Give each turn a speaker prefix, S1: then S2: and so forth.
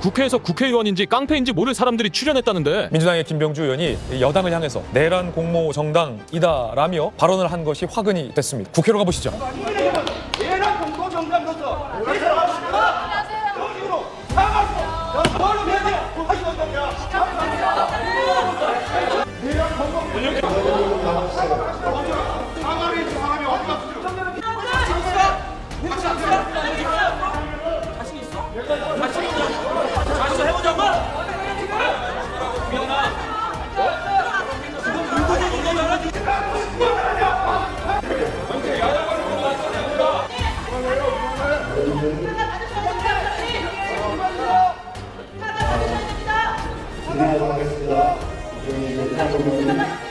S1: 국회에서 국회의원인지 깡패인지 모를 사람들이 출연했다는데.
S2: 민주당의 김병주 의원이 여당을 향해서 내란 공모 정당이다라며 발언을 한 것이 화근이 됐습니다. 국회로 가보시죠.
S3: 내란 공모 정당으로서 정식으로 사과하시고 뭘로 해야 돼요? 하시고 사과를 해주고 사람이 어디 갔어요? 자신 있어 해보자고.
S4: 진행하도록 하겠습니다.